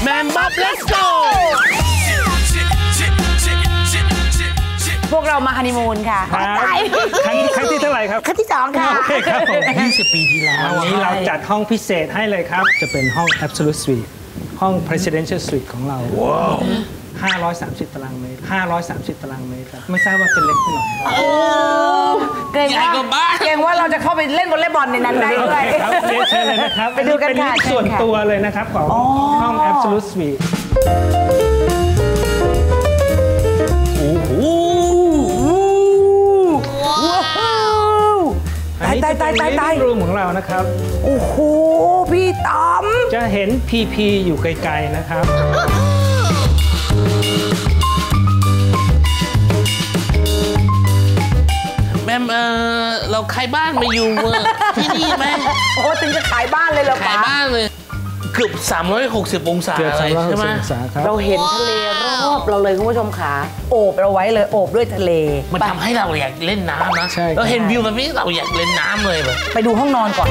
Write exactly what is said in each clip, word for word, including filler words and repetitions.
แมมบ๊อบ let's go พวกเรามาฮันนีมูนค่ะครั้งครั้งที่เท่าไหร่ครับครั้งที่สองค่ะโอเคครับผมยี่สิบปีที่แล้ววันนี้เราจัดห้องพิเศษให้เลยครับจะเป็นห้อง Absolute Suite ห้อง Presidential Suite ของเราห้าร้อยสามสิบตารางเมตรห้าร้อยสามสิบตารางเมตรครับไม่ทราบว่าเป็นเล็กไปหน่อยเกรงว่าเกรงว่าเราจะเข้าไปเล่นวอลเลย์บอลในนั้นได้ด้วยครับเรียนเชิญเลยนะครับไปดูกันค่ะเป็นส่วนตัวเลยนะครับของห้อง Absolute Suite โอ้โหตายตายตายตายตายรูมของเรานะครับโอ้โหพี่ต้อมจะเห็น พี พี อยู่ไกลๆนะครับแม่เออเราขายบ้านมาอยู่ที่นี่ไหมโอ้ถึงจะขายบ้านเลยเหรอขายบ้านเลยเกือบสามร้อยหกสิบองศาเลยใช่ไหมเราเห็นทะเลรอบเราเลยคุณผู้ชมขาโอบเราไว้เลยโอบด้วยทะเลมันทำให้เราอยากเล่นน้ำนะเราเห็นวิวแบบนี้เราอยากเล่นน้ำเลยแบบไปดูห้องนอนก่อน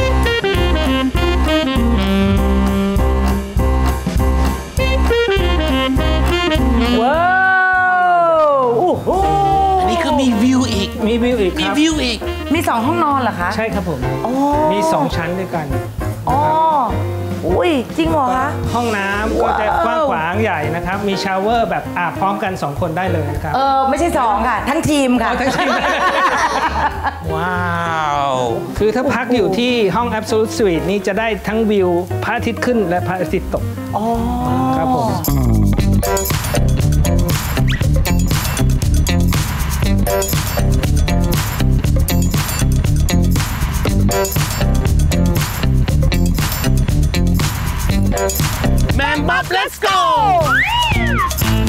ว้าวโอ้โหอันนี้คือมีวิวอีกมีวิวอีกมีวิวอีกมีสองห้องนอนเหรอคะใช่ครับผมมีสองชั้นด้วยกันอ๋ออุ้ยจริงเหรอคะห้องน้ำก็จะกว้างขวางใหญ่นะครับมีชาวเวอร์แบบอาบพร้อมกันสองคนได้เลยนะครับเออไม่ใช่สองค่ะทั้งทีมค่ะทั้งทีมว้าวคือถ้าพักอยู่ที่ห้อง Absolute Suite นี่จะได้ทั้งวิวพระอาทิตย์ขึ้นและพระอาทิตย์ตกอ๋อครับผมแมมบ๊อบ let's go